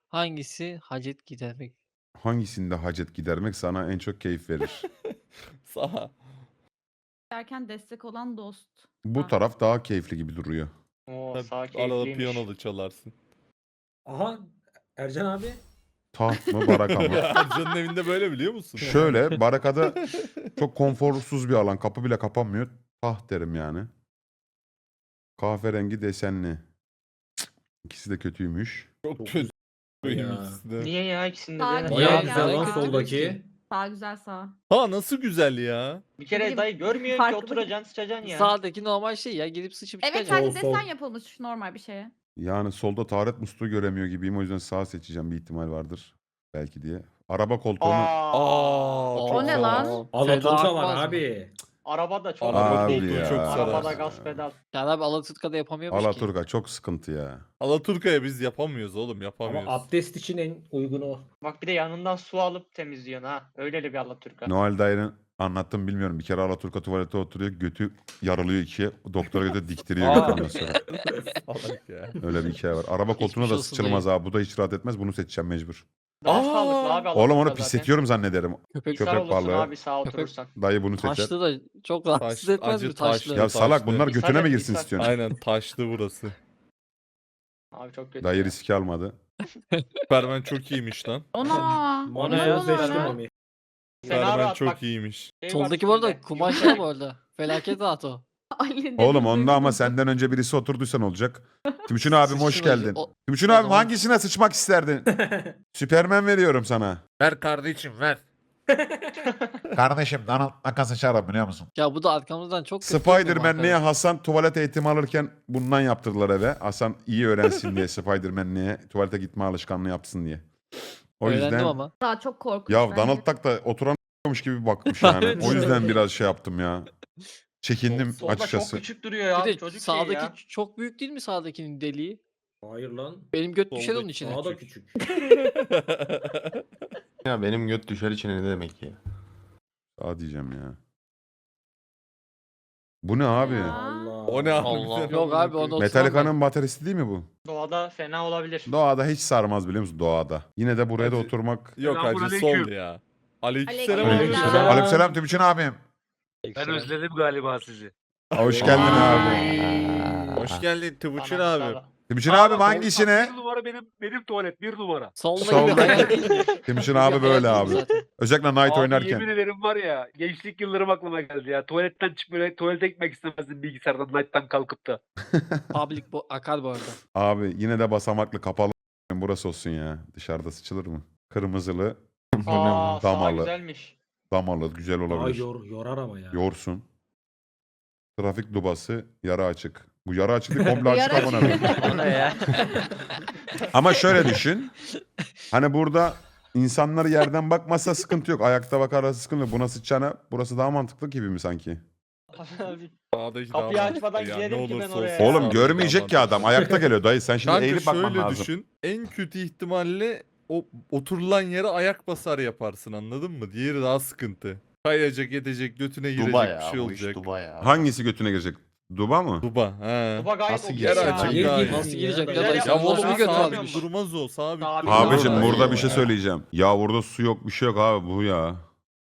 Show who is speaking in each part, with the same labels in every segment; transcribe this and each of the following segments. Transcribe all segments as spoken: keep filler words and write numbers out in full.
Speaker 1: Hangisi hacet gidermek?
Speaker 2: Hangisinde hacet gidermek sana en çok keyif verir?
Speaker 3: Sağ.
Speaker 4: Derken destek olan dost.
Speaker 2: Bu
Speaker 4: Ah.
Speaker 2: taraf daha keyifli gibi duruyor.
Speaker 5: Oo
Speaker 3: Tabii,
Speaker 5: sağ
Speaker 3: Arada
Speaker 5: keyifliymiş.
Speaker 3: piyano da çalarsın.
Speaker 6: Aha Ercan abi.
Speaker 2: Taht mı baraka mı?
Speaker 3: Ercan'ın evinde böyle biliyor musun?
Speaker 2: Şöyle barakada çok konforsuz bir alan. Kapı bile kapanmıyor. Taht derim yani. Kahverengi desenli. Cık, İkisi de kötüymüş.
Speaker 3: Çok
Speaker 6: Çok
Speaker 3: kötü.
Speaker 6: Ya.
Speaker 3: ikisi de.
Speaker 5: Niye ya ikisinde
Speaker 4: Sağ
Speaker 5: de?
Speaker 4: güzel
Speaker 6: Bayağı
Speaker 1: Ya,
Speaker 6: güzel
Speaker 1: güzel
Speaker 6: lan
Speaker 1: kötü
Speaker 6: soldaki.
Speaker 1: ki.
Speaker 4: Sağ güzel sağ.
Speaker 3: Ha nasıl güzel ya.
Speaker 5: Bir kere
Speaker 4: bileyim,
Speaker 5: dayı görmüyorsun ki
Speaker 4: farklı.
Speaker 5: oturacaksın sıçacaksın ya.
Speaker 1: Sağdaki normal şey ya. Gidip sıçıp
Speaker 4: Evet
Speaker 1: çıkacaksın.
Speaker 4: sadece
Speaker 6: Sol, sol.
Speaker 4: desen yapılmış normal bir şeye.
Speaker 2: Yani solda taharet musluğu göremiyor gibiyim. O yüzden sağ seçeceğim. Bir ihtimal vardır. Belki diye. Araba koltuğunu...
Speaker 5: Aa,
Speaker 3: Aa,
Speaker 1: O
Speaker 3: çok
Speaker 4: ne
Speaker 3: sağ
Speaker 4: lan?
Speaker 3: ol.
Speaker 6: Alaturka var
Speaker 1: Akmaz mı?
Speaker 6: abi.
Speaker 5: araba da çok
Speaker 3: Araba
Speaker 2: Abi
Speaker 3: koltuğu
Speaker 2: ya.
Speaker 3: çok sarar.
Speaker 5: Arabada gaz pedal.
Speaker 1: Yani abi Alaturka'da yapamıyormuş ki.
Speaker 2: Alaturka çok sıkıntı ya.
Speaker 3: Alaturka'ya biz yapamıyoruz oğlum
Speaker 6: Ama
Speaker 3: yapamıyoruz.
Speaker 6: abdest için en uygun o.
Speaker 5: Bak bir de yanından su alıp temizliyorsun ha. Öyleli bir Alaturka.
Speaker 2: Noel dayının anlattım bilmiyorum. Bir kere Alaturka tuvalete oturuyor. Götü yarılıyor ikiye. Doktora götü diktiriyor
Speaker 3: Aa.
Speaker 2: götü ondan sonra.
Speaker 3: Salak ya.
Speaker 2: Öyle bir hikaye var. Araba koltuğuna
Speaker 1: Geçmiş
Speaker 2: da
Speaker 1: olsun
Speaker 2: sıçılmaz abi. Bu da hiç rahat etmez. Bunu seçeceğim mecbur.
Speaker 5: Daha
Speaker 3: Aa.
Speaker 5: sağlıklı abi Alaturka
Speaker 2: Oğlum onu
Speaker 5: zaten.
Speaker 2: pisletiyorum zannederim.
Speaker 1: Köpek
Speaker 5: İshal
Speaker 2: köpek
Speaker 5: olursun
Speaker 2: balığı.
Speaker 5: abi sağ
Speaker 1: Köpek-
Speaker 5: oturursan.
Speaker 2: Dayı bunu seçer.
Speaker 1: Taşlı da çok rahatsız
Speaker 3: Taş-
Speaker 1: etmez
Speaker 3: acı
Speaker 1: mi taşlı?
Speaker 3: taşlı.
Speaker 2: Ya salak
Speaker 3: taşlı.
Speaker 2: bunlar
Speaker 5: İshal
Speaker 2: götüne mi
Speaker 5: et,
Speaker 2: girsin
Speaker 5: ishal.
Speaker 2: istiyorsun?
Speaker 3: Aynen taşlı burası.
Speaker 5: Abi çok kötü.
Speaker 2: Dayı
Speaker 5: ya.
Speaker 2: riski almadı.
Speaker 3: Superman çok iyiymiş lan.
Speaker 4: Ona.
Speaker 6: Mona
Speaker 4: ne
Speaker 6: ya
Speaker 4: oldu
Speaker 6: seçtim
Speaker 4: lan?
Speaker 6: onu.
Speaker 5: Fena
Speaker 3: Superman
Speaker 5: rahat
Speaker 3: çok
Speaker 5: bak.
Speaker 3: iyiymiş.
Speaker 5: Şey var
Speaker 1: Soldaki bu arada
Speaker 5: üstünde,
Speaker 1: kumaşlı
Speaker 5: yumuşak.
Speaker 1: bu arada. Felaket rahat o.
Speaker 4: Ali
Speaker 2: Oğlum
Speaker 4: dedi,
Speaker 2: onda ama
Speaker 4: duydum.
Speaker 2: senden önce birisi oturduysa ne olacak? Timuçin abim hoş
Speaker 1: Sıçtın acı-
Speaker 2: geldin.
Speaker 1: o-
Speaker 2: Timuçin
Speaker 1: o
Speaker 2: abim
Speaker 1: zaman-
Speaker 2: hangisine sıçmak isterdin? Süpermen veriyorum sana.
Speaker 7: Ver kardeşim ver. Kardeşim Donald Duck'a sıçarım biliyor musun?
Speaker 1: Ya bu da arkamızdan çok kötü görünüyor
Speaker 2: Spider-Man'liğe
Speaker 1: arkadaş.
Speaker 2: Hasan tuvalet eğitimi alırken bundan yaptırdılar eve. Hasan iyi öğrensin diye Spider-Man'liğe tuvalete gitme alışkanlığı yapsın diye. O
Speaker 1: Öğrendim
Speaker 2: yüzden
Speaker 1: ama.
Speaker 4: Daha çok korkunç.
Speaker 2: ya
Speaker 4: bence.
Speaker 2: Donald Duck da oturamıyormuş gibi bakmış yani.
Speaker 1: Evet.
Speaker 2: O yüzden biraz şey yaptım ya. Çekindim
Speaker 5: Solda
Speaker 2: açıkçası.
Speaker 5: çok küçük duruyor ya.
Speaker 1: Bir de
Speaker 5: Çocuk
Speaker 1: sağdaki
Speaker 5: şey ya.
Speaker 1: çok büyük değil mi sağdakinin deliği?
Speaker 6: Hayır lan.
Speaker 1: Benim göt düşer onun
Speaker 3: Soldaki
Speaker 1: içine.
Speaker 6: Daha da küçük.
Speaker 8: Ya benim göt düşer içine ne demek ya?
Speaker 2: Aa diyeceğim ya. Bu ne abi?
Speaker 4: Ya.
Speaker 6: Allah.
Speaker 3: O ne abi?
Speaker 1: Allah.
Speaker 3: Sen
Speaker 1: Yok
Speaker 3: amına
Speaker 1: abi, onu
Speaker 3: koyayım.
Speaker 2: Metallica'nın bateristi değil mi bu?
Speaker 5: Doğada fena olabilir.
Speaker 2: Doğada hiç sarmaz biliyor musun doğada. Yine de buraya da
Speaker 3: Hacı-
Speaker 2: oturmak.
Speaker 3: Yok hacı sol ya. Aleykümselam.
Speaker 4: Aleykümselam.
Speaker 3: abi.
Speaker 2: Aleykümselam Timuçin abim.
Speaker 7: Ben özledim galiba sizi.
Speaker 2: Hoş geldin abi.
Speaker 6: Ay.
Speaker 3: Hoş geldin Timuçin
Speaker 5: Anam
Speaker 3: abi.
Speaker 5: sağ-
Speaker 2: Timuçin abim hangisine?
Speaker 7: Bir numara benim benim tuvalet bir numara.
Speaker 1: Solda
Speaker 2: Solda-
Speaker 1: gibi hayal değil mi?
Speaker 2: Timuçin
Speaker 1: Bir
Speaker 2: abi
Speaker 1: hayal
Speaker 2: böyle
Speaker 1: değil mi
Speaker 2: abi.
Speaker 1: zaten?
Speaker 2: Özellikle Night
Speaker 7: Abi
Speaker 2: oynarken.
Speaker 7: yemin ederim var ya gençlik yıllarım aklıma geldi ya. Tuvaletten çıkmaya tuvalete gitmek istemezdim bilgisayardan Night'tan kalkıp da.
Speaker 1: Public bu akar bu arada.
Speaker 2: Abi yine de basamaklı kapalı burası olsun ya. Dışarıda sıçılır mı? Kırmızılı,
Speaker 5: Aa sağ
Speaker 2: Damalı.
Speaker 5: güzelmiş.
Speaker 2: damalı güzel
Speaker 6: Daha
Speaker 2: olabilir.
Speaker 6: yor, yorar ama ya.
Speaker 2: Yorsun. Trafik dubası, yara açık. Bu yara açık değil, komple açık
Speaker 4: Yara
Speaker 2: amına koyayım.
Speaker 1: O ne ya?
Speaker 2: Ama şöyle düşün. Hani burada insanlar yerden bakmasa sıkıntı yok. Ayakta bakarsa sıkıntı yok. Buna sıçacağına burası daha mantıklı gibi mi sanki?
Speaker 5: Abi,
Speaker 3: Sağdaki daha
Speaker 5: Kapıyı açmadan
Speaker 3: mantıklı ya,
Speaker 5: girerim
Speaker 3: ne
Speaker 5: ki ben
Speaker 3: olursa
Speaker 5: oraya
Speaker 3: olsun.
Speaker 5: ya.
Speaker 2: Oğlum
Speaker 3: Sağdaki
Speaker 2: görmeyecek
Speaker 3: daha
Speaker 2: ki adam.
Speaker 3: mantıklı.
Speaker 2: Ayakta geliyor dayı. Sen şimdi
Speaker 3: Kanka
Speaker 2: eğilip bakman
Speaker 3: şöyle
Speaker 2: lazım.
Speaker 3: düşün. En kötü ihtimalle o oturulan yere ayak basar yaparsın anladın mı? Diğeri daha sıkıntı. Kayacak, edecek, götüne girecek
Speaker 8: Duba
Speaker 3: bir
Speaker 8: ya
Speaker 3: şey
Speaker 8: bu iş
Speaker 3: olacak.
Speaker 8: Duba ya.
Speaker 2: Hangisi götüne girecek? Duba mı?
Speaker 3: Duba. He.
Speaker 5: Baba gayet
Speaker 8: Nasıl
Speaker 5: okey
Speaker 8: girer
Speaker 5: ya.
Speaker 3: açık
Speaker 6: Niye
Speaker 3: daha iyi.
Speaker 6: girsin
Speaker 1: Nasıl
Speaker 6: ya?
Speaker 1: girecek
Speaker 6: Ben-
Speaker 1: ya da
Speaker 5: Ya
Speaker 1: işte
Speaker 3: Ya
Speaker 5: oğlum,
Speaker 1: nasıl
Speaker 3: oğlum
Speaker 1: bir göt
Speaker 5: sağ-
Speaker 1: varmış?
Speaker 3: sabit durmaz o. Sabit
Speaker 5: Sabit
Speaker 3: durmaz.
Speaker 5: durmaz.
Speaker 2: Abicim
Speaker 5: Ay,
Speaker 2: burada
Speaker 5: ay,
Speaker 2: bir şey
Speaker 5: ay.
Speaker 2: söyleyeceğim. Ya burada su yok bir şey yok abi bu ya.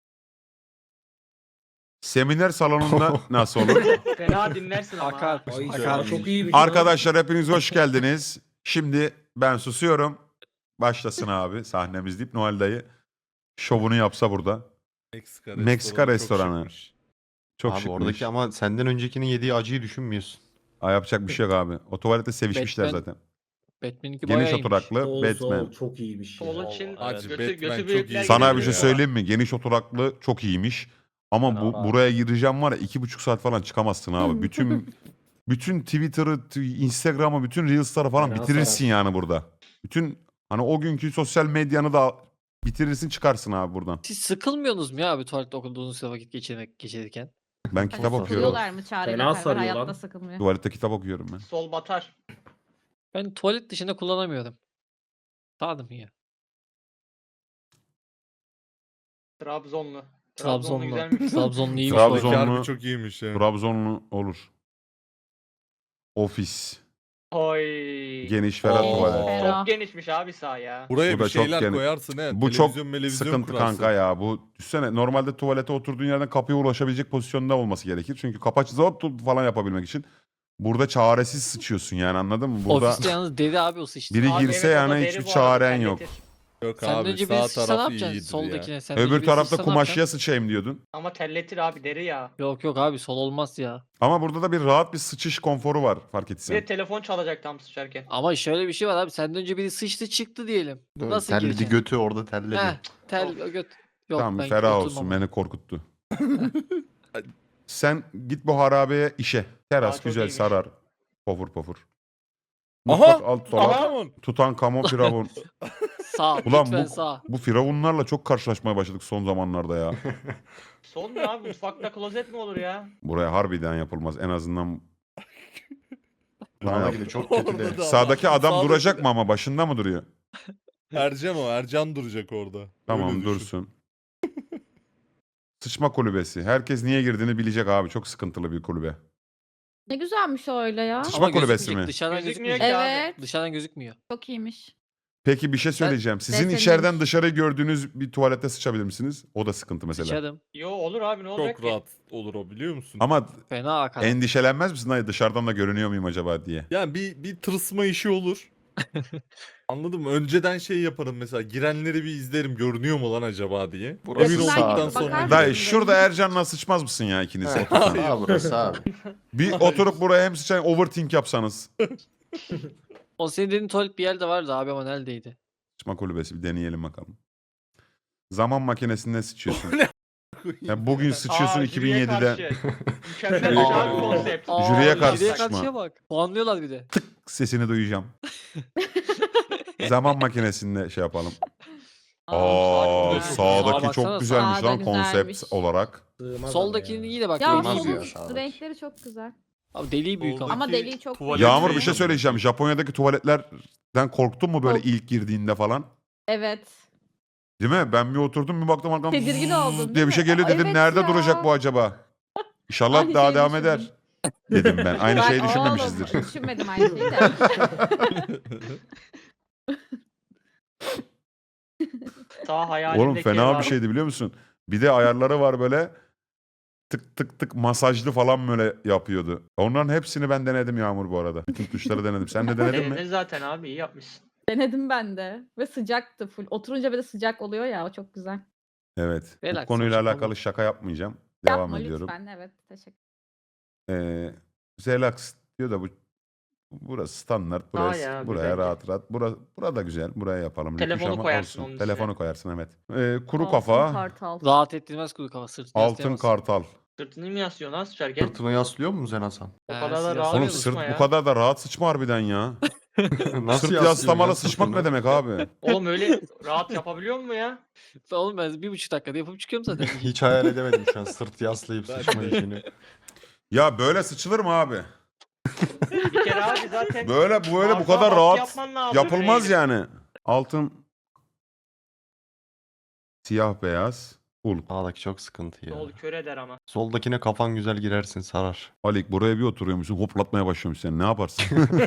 Speaker 2: Seminer salonunda nasıl olur?
Speaker 5: Fena dinlersin ama.
Speaker 1: Akar.
Speaker 5: ha.
Speaker 6: Ay
Speaker 1: Akar.
Speaker 6: sana çok iyi bir şey.
Speaker 2: Arkadaşlar hepiniz hoş geldiniz. Şimdi ben susuyorum. Başlasın abi sahnemiz deyip Noel dayı şovunu yapsa burada.
Speaker 3: Meksika,
Speaker 2: Meksika
Speaker 3: restoranı.
Speaker 2: restoranı.
Speaker 3: Çok şıkmış.
Speaker 2: Çok
Speaker 8: Abi
Speaker 2: şıkmış.
Speaker 8: oradaki ama senden öncekinin yediği acıyı düşünmüyorsun.
Speaker 2: Aa, yapacak bir şey yok abi. O tuvalette sevişmişler
Speaker 1: Batman
Speaker 2: zaten.
Speaker 1: Batman'inki
Speaker 2: Geniş
Speaker 1: bayağı iyiymiş.
Speaker 2: oturaklı
Speaker 6: Sol,
Speaker 2: Batman.
Speaker 6: sol, çok iyiymiş ya.
Speaker 5: Sol için
Speaker 3: Acı,
Speaker 5: götü,
Speaker 3: Batman
Speaker 5: götü
Speaker 3: çok
Speaker 5: büyükler
Speaker 3: iyi.
Speaker 2: Sana
Speaker 5: gidiyor
Speaker 2: bir şey
Speaker 5: ya.
Speaker 2: söyleyeyim mi? Geniş oturaklı çok iyiymiş. Ama bu
Speaker 5: Aa.
Speaker 2: buraya gireceğim var ya iki buçuk saat falan çıkamazsın abi. Bütün bütün Twitter'ı, t- Instagram'ı, bütün Reels'ları falan
Speaker 6: Fena
Speaker 2: bitirirsin yani burada. Bütün hani o günkü sosyal medyanı da bitirirsin çıkarsın abi buradan.
Speaker 1: Siz sıkılmıyorsunuz mu ya abi tuvalette okuduğunuz süre vakit geçirmek geçirirken?
Speaker 2: Ben kitap okuyorum.
Speaker 4: Sıkılıyorlar mı Çağrı
Speaker 6: Fena
Speaker 4: ile Perver?
Speaker 6: sarıyor
Speaker 4: Hayatta
Speaker 6: lan.
Speaker 4: sıkılmıyor.
Speaker 2: Tuvalette kitap okuyorum ben.
Speaker 5: Sol batar.
Speaker 1: Ben tuvalet dışında kullanamıyorum. Sağdım ya.
Speaker 5: Trabzonlu.
Speaker 1: Trabzonlu.
Speaker 5: güzelmiş.
Speaker 1: Trabzonlu iyiymiş
Speaker 2: Trabzon-
Speaker 1: bu arada.
Speaker 3: Sağdaki harbi
Speaker 2: Trabzonlu-
Speaker 3: çok iyiymiş ya.
Speaker 2: Trabzonlu olur. Ofis.
Speaker 5: Oy.
Speaker 2: Geniş ferah
Speaker 3: Oo.
Speaker 2: tuvalet.
Speaker 4: Ferah.
Speaker 5: Çok genişmiş abi sağ ya.
Speaker 3: Buraya
Speaker 2: Bu da
Speaker 3: bir
Speaker 2: çok
Speaker 3: şeyler
Speaker 2: gene-
Speaker 3: koyarsın he.
Speaker 2: Bu çok
Speaker 3: Televizyon, melevizyon
Speaker 2: sıkıntı
Speaker 3: kurarsın.
Speaker 2: kanka ya. Bu düşsene normalde tuvalete oturduğun yerden kapıya ulaşabilecek pozisyonda olması gerekir. Çünkü kapı açı zor tut falan yapabilmek için. Burada çaresiz sıçıyorsun yani anladın mı? Burada
Speaker 1: Ofiste yalnız deri abi o sıçtı.
Speaker 2: biri
Speaker 5: Abi
Speaker 2: girse
Speaker 5: evet, o
Speaker 2: yani
Speaker 5: da deri
Speaker 2: hiçbir
Speaker 5: bu arada,
Speaker 2: çaren yok.
Speaker 5: terletir.
Speaker 3: Yok
Speaker 1: Sen
Speaker 3: abi
Speaker 1: önce
Speaker 3: sağ
Speaker 1: bir sıçsa ne
Speaker 3: tarafı
Speaker 1: yapacaksın
Speaker 3: iyidir ya.
Speaker 1: soldakine? Sen önce
Speaker 2: Öbür
Speaker 1: bir
Speaker 2: tarafta
Speaker 1: sıçsa ne yapacaksın?
Speaker 2: kumaşıya sıçayım diyordun.
Speaker 5: Ama terletir abi deri ya.
Speaker 1: Yok yok abi sol olmaz ya.
Speaker 2: Ama burada da bir rahat bir sıçış konforu var fark
Speaker 5: Bir
Speaker 2: etsen.
Speaker 5: de telefon çalacak tam sıçarken.
Speaker 1: Ama şöyle bir şey var abi. Senden önce biri sıçtı çıktı diyelim. Nasıl
Speaker 8: Terledi
Speaker 1: gireceksin?
Speaker 8: götü orada terledi.
Speaker 1: Heh, tel o göt. Yok,
Speaker 2: Tamam
Speaker 1: ben
Speaker 2: ferah
Speaker 1: oturmam
Speaker 2: olsun
Speaker 1: ona.
Speaker 2: beni korkuttu. Sen git bu harabeye işe. Teras
Speaker 5: Aa, çok
Speaker 2: güzel
Speaker 5: iyiymiş.
Speaker 2: sarar. Pofur pofur.
Speaker 3: Aha!
Speaker 2: Mutfak alt dolap.
Speaker 3: Aha!
Speaker 2: Tutankamon firavun.
Speaker 1: Sağ.
Speaker 2: Ulan
Speaker 1: lütfen
Speaker 2: bu,
Speaker 1: sağ.
Speaker 2: bu firavunlarla çok karşılaşmaya başladık son zamanlarda ya.
Speaker 5: Son mu abi mutfakta klozet mi olur ya?
Speaker 2: Buraya harbiden yapılmaz en azından.
Speaker 8: Sağdaki de çok kötü
Speaker 3: Orada
Speaker 8: de.
Speaker 3: da-
Speaker 2: Sağdaki adam
Speaker 3: Sağdaki
Speaker 2: duracak
Speaker 3: de-
Speaker 2: mı ama başında mı duruyor?
Speaker 3: Ercan o. Ercan duracak orada.
Speaker 2: Tamam
Speaker 3: Öyle düşün.
Speaker 2: dursun. Sıçma kulübesi. Herkes niye girdiğini bilecek abi. Çok sıkıntılı bir kulübe.
Speaker 4: Ne güzelmiş o öyle ya.
Speaker 2: Sıçma
Speaker 1: Ama
Speaker 2: kulübesi
Speaker 1: gözükmeyecek,
Speaker 2: mi?
Speaker 1: Dışarıdan
Speaker 5: Gözükmüyor
Speaker 1: gözükmüyor.
Speaker 5: ki abi.
Speaker 4: Evet.
Speaker 1: Dışarıdan gözükmüyor.
Speaker 4: Çok iyiymiş.
Speaker 2: Peki bir şey söyleyeceğim. Sizin
Speaker 4: Beğenilmiş.
Speaker 2: içeriden dışarı gördüğünüz bir tuvalette sıçabilir misiniz? O da sıkıntı mesela.
Speaker 1: Sıçarım.
Speaker 5: Yo olur abi ne olacak
Speaker 3: Çok
Speaker 5: ki?
Speaker 3: rahat olur o biliyor musun?
Speaker 2: Ama
Speaker 1: Fena akar.
Speaker 2: endişelenmez misin? Hayır dışarıdan da görünüyor muyum acaba diye.
Speaker 3: Yani bir, bir tırsma işi olur. Anladın mı? Önceden şey yaparım mesela. Girenleri bir izlerim. Görünüyor mu lan acaba diye.
Speaker 8: Burası
Speaker 3: Emin
Speaker 8: sağ
Speaker 3: olduktan
Speaker 8: abi.
Speaker 3: sonra.
Speaker 4: Bakar
Speaker 2: Dayı
Speaker 4: mısın?
Speaker 2: şurada Ercan'la sıçmaz mısın ya ikiniz?
Speaker 8: He,
Speaker 2: otursanız?
Speaker 8: sağ burası abi.
Speaker 2: Bir oturup buraya hem sıçan overthink yapsanız.
Speaker 1: O senin dediğin tuvalet bir yerde vardı abi ama neredeydi?
Speaker 2: Sıçma kulübesi bir deneyelim bakalım. Zaman makinesinde sıçıyorsun. Ya bugün sıçıyorsun
Speaker 5: Aa,
Speaker 2: iki bin
Speaker 5: jüriye
Speaker 2: yedide.
Speaker 5: karşı. Mükemmel
Speaker 2: Jüriye-
Speaker 5: bir abi konsept.
Speaker 1: Aa,
Speaker 2: Jüriye karşı
Speaker 1: jüriye
Speaker 2: sıçma.
Speaker 1: karşıya bak. Puanlıyorlar bir de.
Speaker 2: Sesini duyacağım. Zaman makinesinde şey yapalım. Aa,
Speaker 5: Aa,
Speaker 1: güzel.
Speaker 2: sağdaki
Speaker 1: Aa, baksana,
Speaker 2: çok güzelmiş
Speaker 4: sağda
Speaker 2: lan konsept
Speaker 4: güzelmiş.
Speaker 2: olarak.
Speaker 6: Sığmaz
Speaker 1: Soldakini
Speaker 6: ama ya.
Speaker 1: iyi de bak.
Speaker 4: Ya
Speaker 1: deliği
Speaker 8: Olmaz
Speaker 1: büyük.
Speaker 8: ya.
Speaker 4: solun
Speaker 8: sağdaki.
Speaker 4: renkleri çok güzel.
Speaker 1: Abi deliği büyük ama.
Speaker 4: Ama
Speaker 3: Soldaki
Speaker 4: deliği çok
Speaker 3: tuvalet
Speaker 4: güzel.
Speaker 2: Yağmur bir
Speaker 3: şey
Speaker 2: şey
Speaker 3: mi?
Speaker 2: söyleyeceğim. Japonya'daki tuvaletlerden korktun mu böyle
Speaker 4: Kork-
Speaker 2: ilk girdiğinde falan?
Speaker 4: Evet.
Speaker 2: Değil mi? Ben bir oturdum bir baktım arkamdan
Speaker 4: Tedirgin
Speaker 2: zzzz
Speaker 4: oldun, değil
Speaker 2: diye bir şey
Speaker 4: mi?
Speaker 2: geliyor dedim.
Speaker 4: Evet
Speaker 2: Nerede
Speaker 4: ya.
Speaker 2: duracak bu acaba? İnşallah
Speaker 4: Aynı
Speaker 2: daha
Speaker 4: şeyi
Speaker 2: devam
Speaker 4: düşündüm.
Speaker 2: eder. Dedim ben. Aynı
Speaker 4: Ben-
Speaker 2: şeyi
Speaker 4: Oğlum,
Speaker 2: düşünmemişizdir.
Speaker 4: Düşünmedim aynı şeyi de.
Speaker 5: Sağ hayalimdeki
Speaker 2: Oğlum
Speaker 5: yer
Speaker 2: fena
Speaker 5: abi.
Speaker 2: bir şeydi biliyor musun? Bir de ayarları var böyle tık tık tık masajlı falan böyle yapıyordu. Onların hepsini ben denedim Yağmur bu arada. Bütün tuşları denedim. Sen de denedin mi?
Speaker 5: Denedin zaten abi iyi yapmışsın.
Speaker 4: Denedim ben de. Ve sıcaktı full. Oturunca böyle sıcak oluyor ya o çok güzel.
Speaker 2: Evet. Bu
Speaker 1: Relax,
Speaker 2: konuyla
Speaker 1: şaka
Speaker 2: alakalı
Speaker 1: bu.
Speaker 2: şaka yapmayacağım. Devam
Speaker 4: Yapma
Speaker 2: ediyorum.
Speaker 4: lütfen. Evet teşekkür
Speaker 2: Ee, relax diyor da bu burası standart. Burası,
Speaker 5: ya,
Speaker 2: buraya
Speaker 5: güzel.
Speaker 2: rahat rahat. Bura, burada güzel. Buraya yapalım. Lüküş
Speaker 5: Telefonu
Speaker 2: ama
Speaker 5: koyarsın
Speaker 2: olsun.
Speaker 5: onun
Speaker 2: Telefonu
Speaker 5: üstüne.
Speaker 2: koyarsın evet. Ee, kuru
Speaker 4: Altın
Speaker 2: kafa,
Speaker 4: Kartal.
Speaker 1: Rahat ettirmez kuru kafa sırtını
Speaker 2: altın
Speaker 1: yaslayamazsın.
Speaker 2: kartal.
Speaker 5: Sırtını mı yaslıyorsun lan sıçarken?
Speaker 8: Sırtını yaslıyor musun sen Hasan?
Speaker 5: O
Speaker 1: He,
Speaker 5: kadar da
Speaker 1: siz
Speaker 5: rahat
Speaker 2: Oğlum
Speaker 1: yaslamıyor
Speaker 2: sırt
Speaker 5: sıçma
Speaker 2: bu
Speaker 5: ya.
Speaker 2: kadar da rahat sıçma harbiden ya.
Speaker 8: Nasıl
Speaker 2: Sırt
Speaker 8: yaslıyorsun
Speaker 2: yaslamalı
Speaker 8: ya
Speaker 2: sıçmak
Speaker 8: sırtını?
Speaker 2: ne demek abi?
Speaker 5: Oğlum öyle rahat yapabiliyor mu ya?
Speaker 1: Oğlum ben bir buçuk dakikada yapıp çıkıyorum zaten.
Speaker 8: Hiç hayal edemedim şu an sırt yaslayıp
Speaker 3: Ben
Speaker 8: sıçma
Speaker 3: de.
Speaker 8: işini.
Speaker 2: Ya böyle sıçılır mı abi?
Speaker 5: Bir kere abi zaten
Speaker 2: Böyle böyle bu
Speaker 5: Arka
Speaker 2: kadar
Speaker 5: baskı
Speaker 2: rahat
Speaker 5: yapman lazım
Speaker 2: yapılmaz
Speaker 5: eğilip.
Speaker 2: yani. Altın siyah beyaz ul.
Speaker 8: Sağdaki çok sıkıntı ya.
Speaker 5: Yol kör eder ama.
Speaker 8: Soldakine kafan güzel girersin sarar.
Speaker 2: Alik buraya bir oturuyormuşsun hoplatmaya başlıyormuşsun sen ne yaparsın?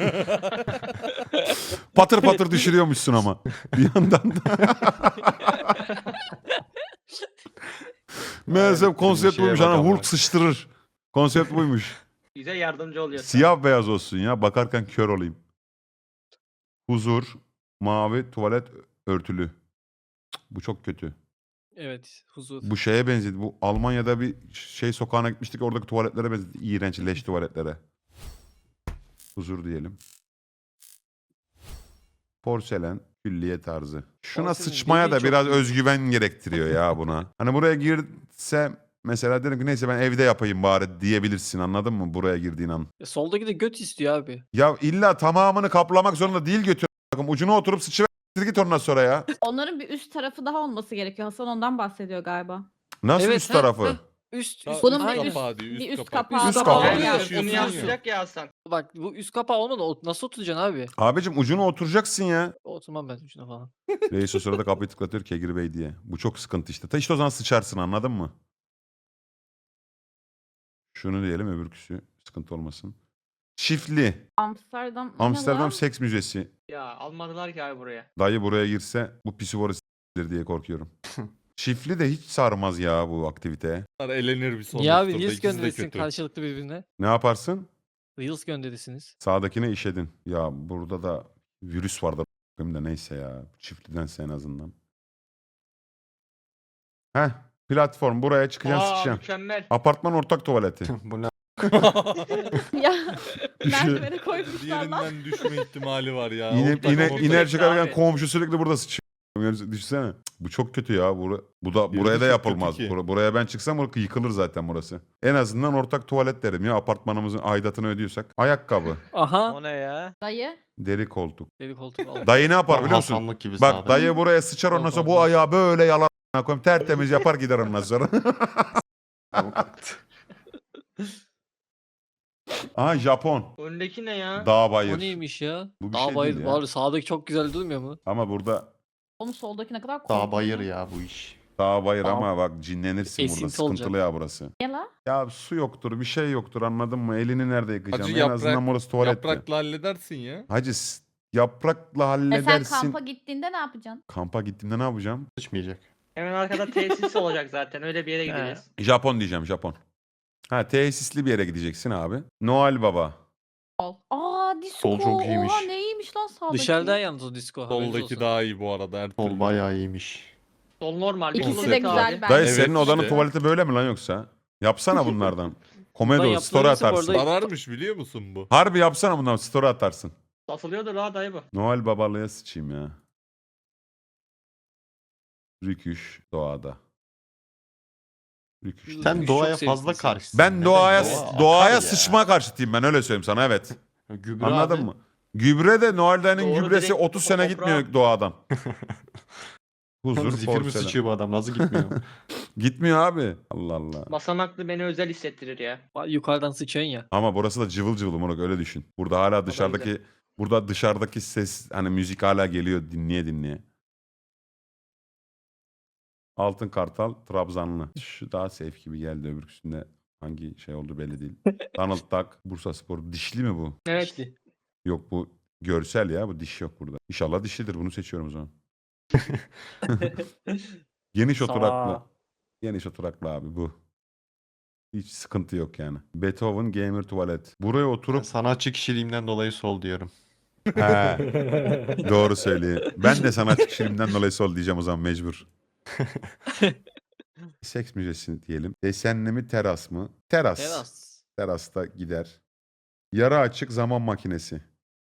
Speaker 2: patır patır düşürüyormuşsun ama bir yandan da. Meğerse
Speaker 8: Aynen,
Speaker 2: konsept
Speaker 8: klişeye
Speaker 2: buymuş
Speaker 8: bak
Speaker 2: hani
Speaker 8: ama.
Speaker 2: Hulk sıçtırır. Konsept buymuş.
Speaker 5: Bize yardımcı oluyor.
Speaker 2: Siyah beyaz olsun ya bakarken kör olayım. Huzur, mavi, tuvalet örtülü. Cık, bu çok kötü.
Speaker 1: Evet huzur.
Speaker 2: Bu şeye benzedi. Bu Almanya'da bir şey sokağına gitmiştik. Oradaki tuvaletlere benzedi. İğrenç leş tuvaletlere. Huzur diyelim. Porselen, külliye tarzı. Şuna
Speaker 1: Porselen
Speaker 2: sıçmaya
Speaker 1: dediği
Speaker 2: da
Speaker 1: çok
Speaker 2: biraz
Speaker 1: büyük.
Speaker 2: özgüven gerektiriyor ya buna. Hani buraya girse mesela dedim ki neyse ben evde yapayım bari diyebilirsin anladın mı? Buraya girdiğin an.
Speaker 1: E, soldaki de göt istiyor abi.
Speaker 2: Ya illa tamamını kaplamak zorunda değil götür. Bakın ucuna oturup sıçıver git ondan sonra ya.
Speaker 4: Onların bir üst tarafı daha olması gerekiyor. Hasan ondan bahsediyor galiba.
Speaker 2: Nasıl
Speaker 1: Evet,
Speaker 2: üst
Speaker 1: ha,
Speaker 2: tarafı?
Speaker 1: ha. Üst,
Speaker 3: Ya
Speaker 1: üst.
Speaker 4: Bunun
Speaker 3: üst
Speaker 4: bir
Speaker 1: Aynen.
Speaker 4: üst-
Speaker 3: kapağı diyor,
Speaker 4: bir
Speaker 3: üst
Speaker 4: üst
Speaker 3: kapağı.
Speaker 4: kapağı
Speaker 2: Üst
Speaker 4: daha
Speaker 2: kapağı.
Speaker 4: var
Speaker 5: Yani
Speaker 4: yani.
Speaker 3: Yaşıyorsun
Speaker 5: bunu
Speaker 3: ya.
Speaker 5: yansıtacak ya Hasan.
Speaker 1: Bak bu üst kapağı olmadı. O nasıl oturacaksın abi?
Speaker 2: Abicim ucuna oturacaksın ya.
Speaker 1: Oturmam ben ucuna falan.
Speaker 2: Reis o sırada kapıyı tıklatıyor Kegir Bey diye. Bu çok sıkıntı işte. Ta işte o zaman sıçarsın anladın mı? Şunu diyelim öbürküsü sıkıntı olmasın. Çiftli.
Speaker 4: Amsterdam. o ne
Speaker 2: Amsterdam
Speaker 4: lan?
Speaker 2: Seks Müzesi.
Speaker 5: Ya almadılar ki abi buraya.
Speaker 2: Dayı buraya girse bu pisivoru s**tir diye korkuyorum. Çiftli de hiç sarmaz ya bu aktivite.
Speaker 3: Bunlar elenir bir sonraki
Speaker 1: Niye abi
Speaker 3: turda.
Speaker 1: Reels
Speaker 3: İkisi de
Speaker 1: gönderirsin
Speaker 3: kötü.
Speaker 1: karşılıklı birbirine?
Speaker 2: Ne yaparsın?
Speaker 1: Reels gönderirsiniz.
Speaker 2: Sağdakine işedin. Ya burada da virüs vardı a**ayım da neyse ya. Çiftlidense en azından. Heh, platform buraya çıkacaksın
Speaker 5: Aa
Speaker 2: sıçacaksın.
Speaker 5: mükemmel.
Speaker 2: Apartman ortak tuvaleti.
Speaker 8: Bu ne?
Speaker 4: Ya merdivene koymuşlar lan.
Speaker 3: Diğerinden düşme ihtimali var ya.
Speaker 2: Yine,
Speaker 3: Ortak
Speaker 2: yine
Speaker 3: ortak.
Speaker 2: iner çıkarken
Speaker 5: abi.
Speaker 2: komşu sürekli burada sıçıyor. Düşünsene. Cık, bu çok kötü ya. Bura, bu da
Speaker 3: Biri
Speaker 2: buraya
Speaker 3: de
Speaker 2: da
Speaker 3: çok kötü
Speaker 2: yapılmaz.
Speaker 3: ki.
Speaker 2: Bura- buraya ben çıksam burası yıkılır zaten burası. En azından ortak tuvalet derim ya apartmanımızın aidatını ödüyorsak. Ayakkabı,
Speaker 1: Aha.
Speaker 9: O ne ya?
Speaker 4: Dayı.
Speaker 2: deri koltuk.
Speaker 1: Deli koltuk al.
Speaker 2: Dayı ne yapar
Speaker 8: Tam
Speaker 2: biliyor musun?
Speaker 8: Hasanlık gibi
Speaker 2: Bak
Speaker 8: sağda.
Speaker 2: dayı buraya sıçar ondan
Speaker 1: Yok,
Speaker 2: sonra bu
Speaker 1: olmaz.
Speaker 2: ayağı böyle yalan koyayım tertemiz yapar gider ondan sonra. Aha Japon.
Speaker 5: Öndeki ne ya?
Speaker 2: Dağ
Speaker 1: O
Speaker 2: bayır.
Speaker 1: neymiş ya?
Speaker 2: Bu bir
Speaker 1: Dağ
Speaker 2: şey değil
Speaker 1: bayır
Speaker 2: ya.
Speaker 1: var. Sağdaki çok güzel durmuyor mu?
Speaker 2: Ama burada
Speaker 4: Onun soldaki ne kadar
Speaker 8: Dağ
Speaker 4: korkunç.
Speaker 8: bayır ya bu iş.
Speaker 2: dağ bayır
Speaker 1: Dağ-
Speaker 2: ama bak cinlenirsin burada
Speaker 1: Esinti
Speaker 2: sıkıntılı
Speaker 1: olacak.
Speaker 2: ya burası.
Speaker 4: Niye la?
Speaker 2: Ya su yoktur bir şey yoktur anladın mı? Elini nerede yıkayacaksın?
Speaker 3: Acı
Speaker 2: En
Speaker 3: yaprak-
Speaker 2: azından burası tuvalet.
Speaker 3: Yaprakla halledersin ya.
Speaker 2: Hacı s- yaprakla
Speaker 4: E sen
Speaker 2: halledersin.
Speaker 4: kampa gittiğinde ne yapacaksın?
Speaker 2: Kampa gittiğimde ne yapacağım?
Speaker 8: Sıçmayacak.
Speaker 5: Hemen arkada tesis olacak zaten. Öyle bir yere gideceğiz.
Speaker 2: Japon diyeceğim Japon. Ha tesisli bir yere gideceksin abi. Noel Baba.
Speaker 4: Sol. Aa disco.
Speaker 8: Sol çok iyiymiş.
Speaker 4: Oha neymiş lan sağdaki?
Speaker 1: Dışarıdan yalnız o disco. haberiniz
Speaker 3: Soldaki
Speaker 1: olsun.
Speaker 3: daha iyi bu arada. Her
Speaker 8: Sol
Speaker 3: türlü.
Speaker 8: bayağı iyiymiş.
Speaker 5: Sol normal. bir
Speaker 4: İkisi
Speaker 5: sol
Speaker 4: de
Speaker 5: öteki
Speaker 4: güzel
Speaker 5: abi.
Speaker 4: bence.
Speaker 2: Dayı
Speaker 3: Evet
Speaker 2: senin odanın
Speaker 3: işte.
Speaker 2: tuvaleti böyle mi lan yoksa? Yapsana bunlardan.
Speaker 1: Bundan
Speaker 2: Komedo
Speaker 1: yapılırsa
Speaker 2: story
Speaker 1: bu
Speaker 2: atarsın.
Speaker 1: arada-
Speaker 3: Zararmış biliyor musun bu?
Speaker 2: Harbi yapsana bundan story atarsın.
Speaker 5: Satılıyordur ha dayı bu.
Speaker 2: Noel babalığa sıçayım ya. Rüküş doğada. Rüküş.
Speaker 1: Sen
Speaker 8: Sen
Speaker 1: Çok
Speaker 8: doğaya
Speaker 1: sevimlisin
Speaker 8: fazla
Speaker 1: sen.
Speaker 8: karşısın.
Speaker 2: Ben
Speaker 8: Neden?
Speaker 2: doğaya
Speaker 8: Doğa
Speaker 2: doğaya
Speaker 8: akar ya.
Speaker 2: sıçma karşıtıyım ben öyle söyleyeyim sana evet.
Speaker 8: Gübre
Speaker 2: Anladın
Speaker 8: abi.
Speaker 2: mı? Gübre de Noel dayının
Speaker 5: Doğru,
Speaker 2: gübresi
Speaker 5: direkt
Speaker 2: otuz sene
Speaker 5: toprağa-
Speaker 2: gitmiyor doğadan. Huzur,
Speaker 8: Zifir mi
Speaker 2: porselen.
Speaker 8: sıçıyor bu adam? Nasıl gitmiyor?
Speaker 2: Gitmiyor abi. Allah Allah.
Speaker 5: Basamaklı beni özel hissettirir ya.
Speaker 1: Bak, yukarıdan sıçıyorsun ya.
Speaker 2: Ama burası da cıvıl cıvıl Murat öyle düşün. Burada hala dışarıdaki burada dışarıdaki ses hani müzik hala geliyor dinleye dinleye. Altın Kartal Trabzanlı. Şu daha safe gibi geldi öbürküsünde hangi şey oldu belli değil. Donald Duck Bursaspor. Dişli mi bu?
Speaker 5: Evet.
Speaker 1: İşte.
Speaker 2: Yok bu görsel ya bu diş yok burada. İnşallah dişlidir bunu seçiyorum o zaman. Geniş
Speaker 1: Sağ.
Speaker 2: oturaklı. Geniş oturaklı abi bu. Hiç sıkıntı yok yani. Beethoven Gamer Tuvalet. Buraya
Speaker 8: Ben
Speaker 2: oturup
Speaker 8: sanatçı kişiliğimden dolayı sol diyorum.
Speaker 2: He, doğru söylüyor. Ben de sanatçı kişiliğimden dolayı sol diyeceğim o zaman mecbur. Seks müzesi diyelim. Desenli mi teras mı? Teras.
Speaker 1: Teras.
Speaker 2: Terasta gider. Yarı açık zaman makinesi.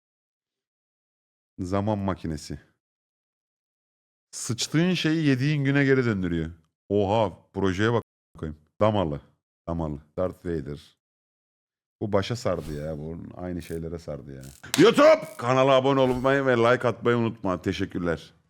Speaker 2: Zaman makinesi. Sıçtığın şeyi yediğin güne geri döndürüyor. Oha projeye bak koyayım. Damalı. Damalı. Darth Vader. Bu başa sardı ya. Bu aynı şeylere sardı ya. YouTube! Kanala abone olmayı ve like atmayı unutma. Teşekkürler.